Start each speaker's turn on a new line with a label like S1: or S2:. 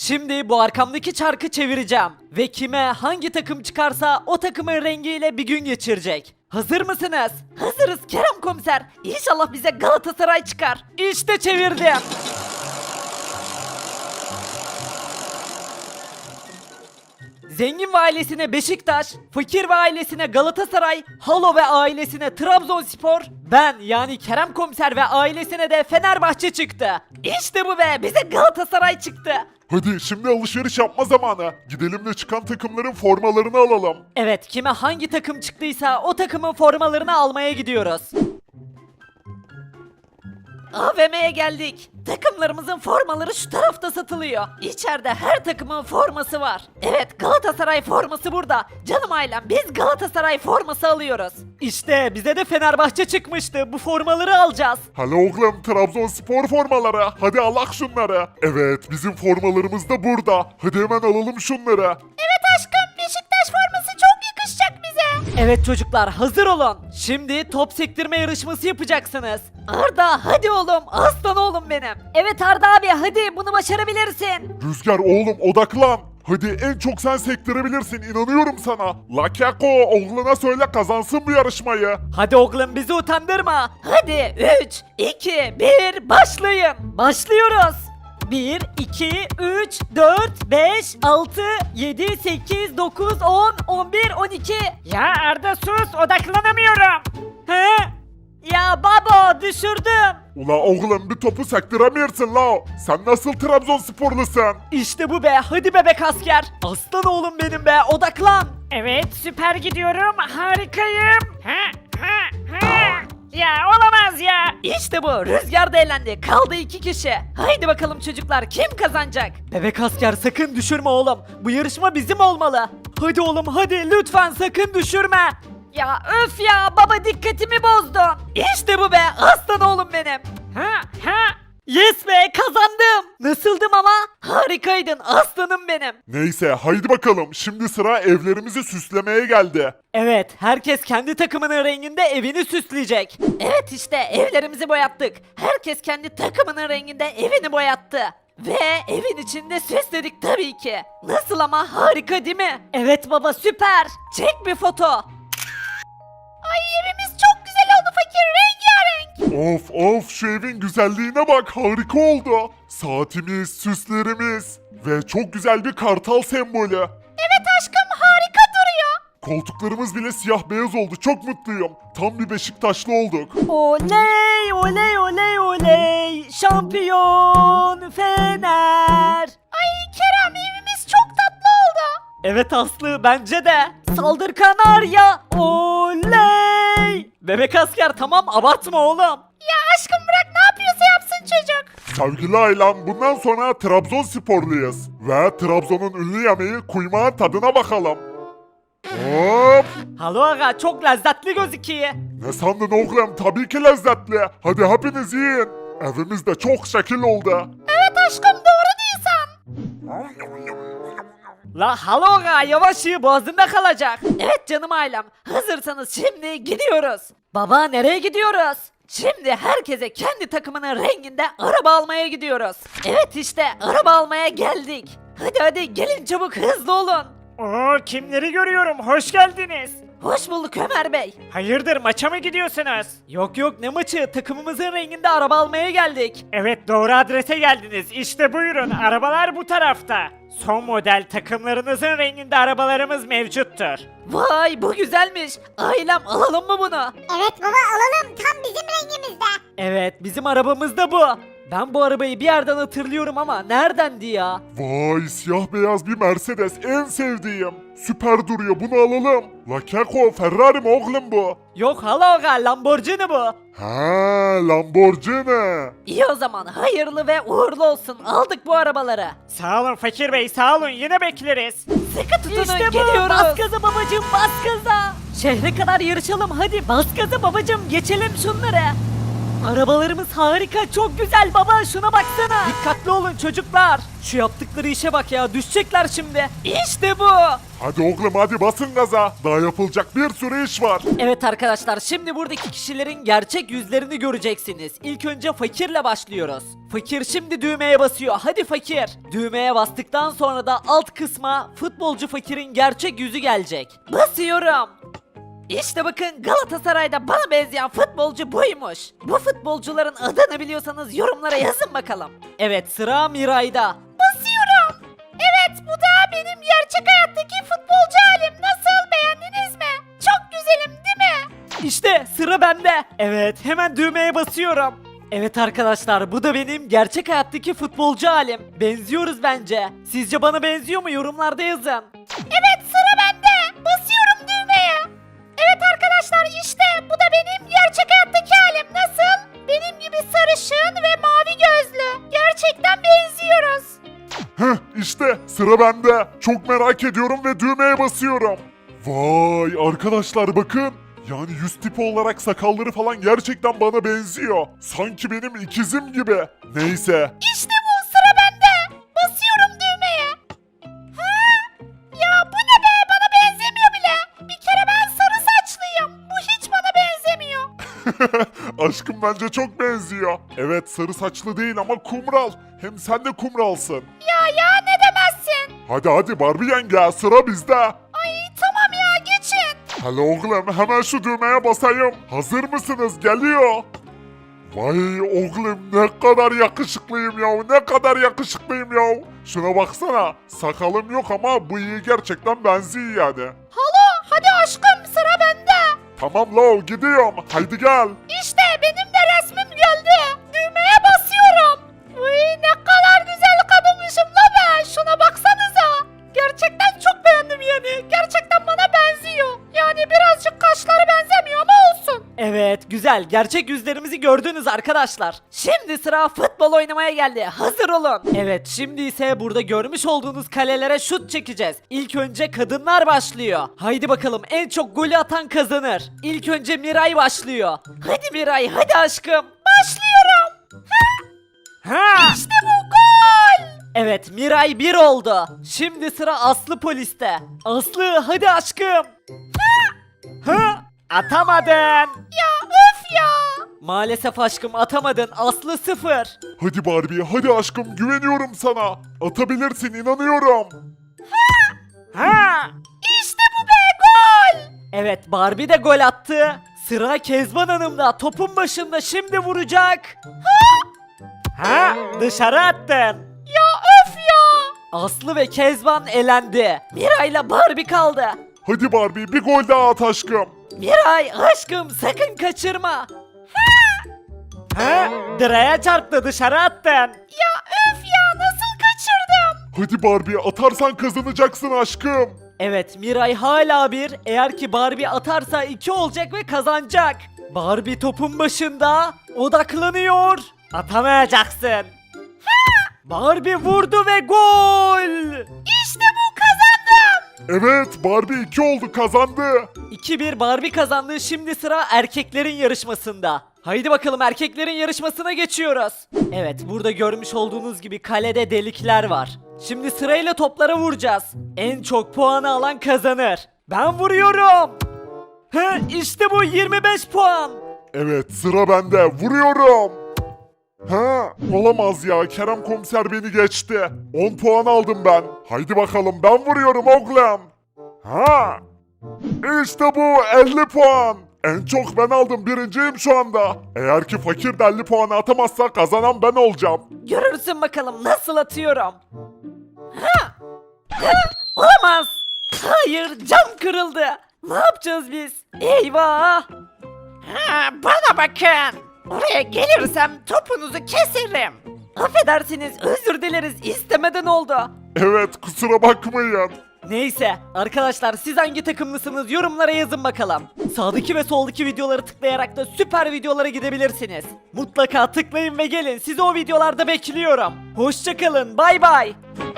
S1: Şimdi bu arkamdaki çarkı çevireceğim. Ve kime hangi takım çıkarsa o takımın rengiyle bir gün geçirecek. Hazır mısınız? Hazırız Kerem komiser. İnşallah bize Galatasaray çıkar. İşte çevirdim. Zengin ve ailesine Beşiktaş, fakir ve ailesine Galatasaray, Halo ve ailesine Trabzonspor, ben yani Kerem komiser ve ailesine de Fenerbahçe çıktı. İşte bu be, bize Galatasaray çıktı.
S2: Hadi şimdi alışveriş yapma zamanı. Gidelim de çıkan takımların formalarını alalım.
S1: Evet, kime hangi takım çıktıysa o takımın formalarını almaya gidiyoruz. AVM'ye geldik. Takımlarımızın formaları şu tarafta satılıyor. İçeride her takımın forması var. Evet, Galatasaray forması burada. Canım ailem, biz Galatasaray forması alıyoruz. İşte bize de Fenerbahçe çıkmıştı. Bu formaları alacağız.
S2: Hala oğlum, Trabzonspor formaları. Hadi alak şunları. Evet, bizim formalarımız da burada. Hadi hemen alalım şunları.
S3: Evet aşkım, Beşiktaş forması çok yakışacak bize.
S1: Evet çocuklar, hazır olun. Şimdi top sektirme yarışması yapacaksınız. Arda, hadi oğlum, aslan oğlum benim. Evet Arda abi, hadi bunu başarabilirsin.
S2: Rüzgar oğlum, odaklan. Hadi en çok sen sektirebilirsin, inanıyorum sana. Lakako oğluna söyle kazansın bu yarışmayı.
S1: Hadi oğlum, bizi utandırma. Hadi 3, 2, 1 başlayın. Başlıyoruz. 1, 2, 3, 4, 5, 6, 7, 8, 9, 10, 11, 12.
S3: Ya Arda sus, odaklanamıyorum.
S1: He? Ya baba, düşürdüm.
S2: Ula oğlum, bir topu sektiremiyorsun la. Sen nasıl Trabzonsporlusun?
S1: İşte bu be, hadi bebek asker. Aslan oğlum benim be, odaklan.
S3: Evet, süper gidiyorum, harikayım. Ha, ha, ha. Ya olamaz ya.
S1: İşte bu, Rüzgar da elendi. Kaldı 2 kişi. Haydi bakalım çocuklar, kim kazanacak? Bebek asker, sakın düşürme oğlum. Bu yarışma bizim olmalı. Hadi oğlum, hadi lütfen sakın düşürme. Ya öf ya, baba dikkatimi bozdun. İşte bu be, aslan oğlum benim.
S3: Ha, ha.
S1: Yes be, kazandım. Nasıldım ama? Harikaydın aslanım benim.
S2: Neyse haydi bakalım, şimdi sıra evlerimizi süslemeye geldi.
S1: Evet, herkes kendi takımının renginde evini süsleyecek. Evet, işte evlerimizi boyattık. Herkes kendi takımının renginde evini boyattı. Ve evin içinde süsledik tabii ki. Nasıl ama, harika değil mi? Evet baba, süper. Çek bir foto.
S3: Ay evimiz çok güzel oldu fakir, rengarenk.
S2: Of of, şu evin güzelliğine bak, harika oldu. Saatimiz, süslerimiz ve çok güzel bir kartal sembolü.
S3: Evet aşkım, harika duruyor.
S2: Koltuklarımız bile siyah beyaz oldu, çok mutluyum. Tam bir Beşiktaşlı olduk.
S1: Oley oley oley oley. Şampiyon Fener.
S3: Ay Kerem, evimiz çok tatlı oldu.
S1: Evet Aslı, bence de. Saldır Kanarya. Oley. Bebek asker, tamam abartma oğlum.
S3: Ya aşkım bırak, ne yapıyorsa yapsın çocuk.
S2: Sevgili ailem, bundan sonra Trabzonsporluyuz. Ve Trabzon'un ünlü yemeği kuymağın tadına bakalım. Hop!
S1: Halo aga, çok lezzetli gözüküyor.
S2: Ne sandın oğlum? Tabii ki lezzetli. Hadi hepiniz yiyin. Evimiz de çok şekil oldu.
S3: Evet aşkım, doğru diyorsun.
S1: La halo aga, yavaş ye, boğazında kalacak. Evet canım ailem, hazırsanız şimdi gidiyoruz. Baba, nereye gidiyoruz? Şimdi herkese kendi takımının renginde araba almaya gidiyoruz. Evet işte, araba almaya geldik. Hadi hadi gelin çabuk, hızlı olun.
S3: Oo, kimleri görüyorum, hoş geldiniz.
S1: Hoş bulduk Ömer Bey.
S3: Hayırdır, maça mı gidiyorsunuz?
S1: Yok yok, ne maçı, takımımızın renginde araba almaya geldik.
S3: Evet, doğru adrese geldiniz. İşte buyurun, arabalar bu tarafta. Son model takımlarınızın renginde arabalarımız mevcuttur.
S1: Vay, bu güzelmiş. Ailem, alalım mı bunu?
S4: Evet baba, alalım, tam bizim rengimizde.
S1: Evet, bizim arabamız da bu. Ben bu arabayı bir yerden hatırlıyorum ama neredendi ya?
S2: Vay, siyah beyaz bir Mercedes, en sevdiğim. Süper duruyor, bunu alalım. La Keko, Ferrari mi oğlum bu?
S1: Yok hala, Lamborghini bu.
S2: Ha, Lamborghini.
S1: İyi o zaman, hayırlı ve uğurlu olsun. Aldık bu arabaları.
S3: Sağ olun Fakir Bey, sağ olun, yine bekleriz.
S1: Sıkı tutunun,
S3: İşte bu,
S1: geliyoruz.
S3: bas
S1: gaza babacım, bas gaza. Şehre kadar yarışalım, hadi bas gaza babacım, geçelim şunları. Arabalarımız harika, çok güzel baba, şuna baksana. Dikkatli olun çocuklar. Şu yaptıkları işe bak ya, düşecekler şimdi. İşte bu.
S2: Hadi oğlum hadi basın gaza. Daha yapılacak bir sürü iş var.
S1: Evet arkadaşlar, şimdi buradaki kişilerin gerçek yüzlerini göreceksiniz. İlk önce fakirle başlıyoruz. Fakir şimdi düğmeye basıyor. Hadi fakir. Düğmeye bastıktan sonra da alt kısma futbolcu fakirin gerçek yüzü gelecek. Basıyorum. İşte bakın, Galatasaray'da bana benzeyen futbolcu buymuş. Bu futbolcuların adını biliyorsanız yorumlara yazın bakalım. Evet, sıra Miray'da. Basıyorum. Evet, bu da benim gerçek hayattaki futbolcu halim. Nasıl, beğendiniz mi? Çok güzelim değil mi? İşte sıra bende. Evet, hemen düğmeye basıyorum. Evet arkadaşlar, bu da benim gerçek hayattaki futbolcu halim. Benziyoruz bence. Sizce bana benziyor mu? Yorumlarda yazın. Evet, sıra bende. Basıyorum düğmeye. Evet arkadaşlar, işte bu da benim gerçek hayattaki halim. Nasıl? Benim gibi sarışın ve mavi gözlü. Gerçekten benziyoruz.
S2: Heh işte sıra bende. Çok merak ediyorum ve düğmeye basıyorum. Vay arkadaşlar bakın. Yani yüz tipi olarak sakalları falan gerçekten bana benziyor. Sanki benim ikizim gibi. Neyse.
S1: İşte bu, sıra bende. Basıyorum düğmeye. Ha? Ya bu ne be, bana benzemiyor bile. Bir kere ben sarı saçlıyım. Bu hiç bana benzemiyor.
S2: Aşkım bence çok benziyor. Evet sarı saçlı değil ama kumral. Hem sen de kumralsın.
S1: Ya ne demezsin.
S2: Hadi Barbie yenge sıra bizde.
S1: Ay tamam ya, geçin.
S2: Hadi oğlum hemen şu düğmeye basayım. Hazır mısınız? Geliyor. Vay oğlum ne kadar yakışıklıyım ya. Ne kadar yakışıklıyım ya. Şuna baksana. Sakalım yok ama bıyığı gerçekten benziyor yani.
S1: Halo, hadi aşkım, sıra bende.
S2: Tamam lo gidiyorum. Haydi gel.
S1: İşte benim de resmim geldi. Düğmeye basıyorum. Uy, ne kadar güzel kadınmışım la be. Şuna baksanıza. Gerçekten çok beğendim yani. Gerçekten bana benziyor. Yani birazcık kaşları benzemiyor ama olsun. Evet, güzel. Gerçek yüzlerimizi gördünüz arkadaşlar. Şimdi sıra futbol oynamaya geldi. Hazır olun. Evet, şimdi ise burada görmüş olduğunuz kalelere şut çekeceğiz. İlk önce kadınlar başlıyor. Haydi bakalım, en çok golü atan kazanır. İlk önce Miray başlıyor. Hadi Miray, hadi aşkım. Başlıyorum. Ha! İşte bu gol. Evet, Miray 1 oldu. Şimdi sıra Aslı poliste. Aslı, hadi aşkım. Ha! Atamadın. Ya öf ya. Maalesef aşkım, atamadın. Aslı 0.
S2: Hadi Barbie hadi aşkım güveniyorum sana. Atabilirsin inanıyorum.
S3: Ha!
S1: İşte bu be, gol. Evet, Barbie de gol attı. Sıra Kezban Hanım'da. Topun başında, şimdi vuracak.
S3: Ha! Dışarı attın.
S1: Ya öf ya. Aslı ve Kezban elendi. Miray'la Barbie kaldı.
S2: Hadi Barbie bir gol daha at aşkım.
S1: Miray aşkım, sakın kaçırma.
S3: Ha! Direğe çarptı, dışarı attın.
S1: Ya öf ya, nasıl kaçırdım?
S2: Hadi Barbie atarsan kazanacaksın aşkım.
S1: Evet, Miray hala 1. Eğer ki Barbie atarsa 2 olacak ve kazanacak. Barbie topun başında odaklanıyor.
S3: Atamayacaksın.
S1: Barbie vurdu ve gol. İşte bu, kazandım.
S2: Evet Barbie 2 oldu kazandı.
S1: 2-1 Barbie kazandı. Şimdi sıra erkeklerin yarışmasında. Haydi bakalım, erkeklerin yarışmasına geçiyoruz. Evet, burada görmüş olduğunuz gibi kalede delikler var. Şimdi sırayla toplara vuracağız. En çok puanı alan kazanır. Ben vuruyorum. İşte bu, 25 puan.
S2: Evet sıra bende vuruyorum. Ha olamaz ya Kerem komiser beni geçti. 10 puan aldım ben. Haydi bakalım ben vuruyorum oğlum. Ha İşte bu 50 puan. En çok ben aldım, birinciyim şu anda. Eğer ki fakir de 50 puanı atamazsa kazanan ben olacağım.
S1: Görürsün bakalım nasıl atıyorum. Olamaz. Hayır, cam kırıldı. Ne yapacağız biz? Eyvah. Bana bakın. Oraya gelirsem topunuzu keserim. Affedersiniz, özür dileriz, istemeden oldu.
S2: Evet kusura bakmayın.
S1: Neyse arkadaşlar, siz hangi takımlısınız yorumlara yazın bakalım. Sağdaki ve soldaki videoları tıklayarak da süper videolara gidebilirsiniz. Mutlaka tıklayın ve gelin, sizi o videolarda bekliyorum. Hoşça kalın, bay bay.